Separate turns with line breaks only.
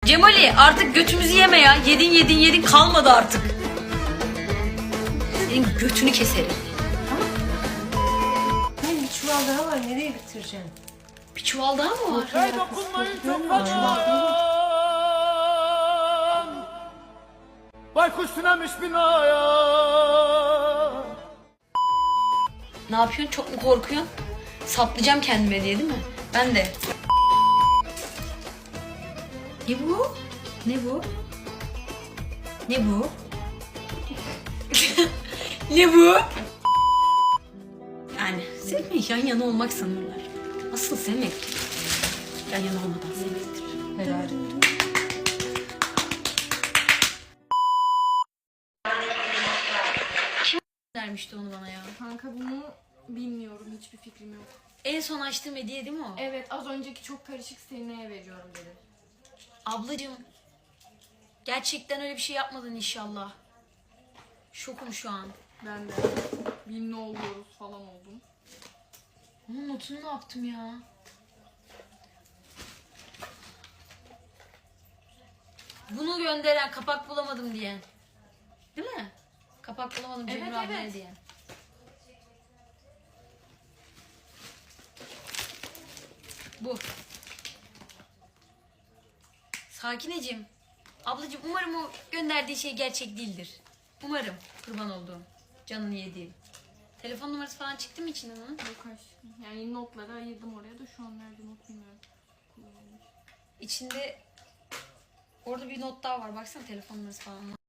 Cemali artık götümüzü yeme ya. Yedin kalmadı artık. Senin götünü keserim.
Benim bir çuval daha var. Nereye bitireceksin?
Bir çuval daha mı var?
Hey dokunmayın çok Baykuş tünemiş binaya.
Ne yapıyorsun? Çok mu korkuyorsun? Saplayacağım kendime diye değil mi? Ben de. Ne bu? Ne bu? Ne bu? Ne bu? Yani sevmek yan yana olmak sanırlar. Asıl sevmek yan yana olmadan sevmektir.
Helal.
Vermişti onu bana ya.
Kanka bunu bilmiyorum. Hiçbir fikrim yok.
En son açtığım hediye değil mi o?
Evet, az önceki çok karışık Selina'ya veriyorum dedi.
Ablacığım. Gerçekten öyle bir şey yapmadın inşallah. Şokum şu an.
Ben de ne oluyoruz falan oldum.
Onun notunu ne yaptım ya? Bunu gönderen kapak bulamadım diyen. Değil mi? Kapak bulamadım Cemil
Evet,
abine
evet.
diyen. Bu. Sakineciğim. Ablacığım umarım o gönderdiği şey gerçek değildir. Umarım. Kurban olduğum. Canını yediğim. Telefon numarası falan çıktı mı içinden onun?
Yok aşkım. Yani notları ayırdım oraya da şu an nerede not bilmiyorum.
İçinde orada bir not daha var. Baksana telefon numarası falan.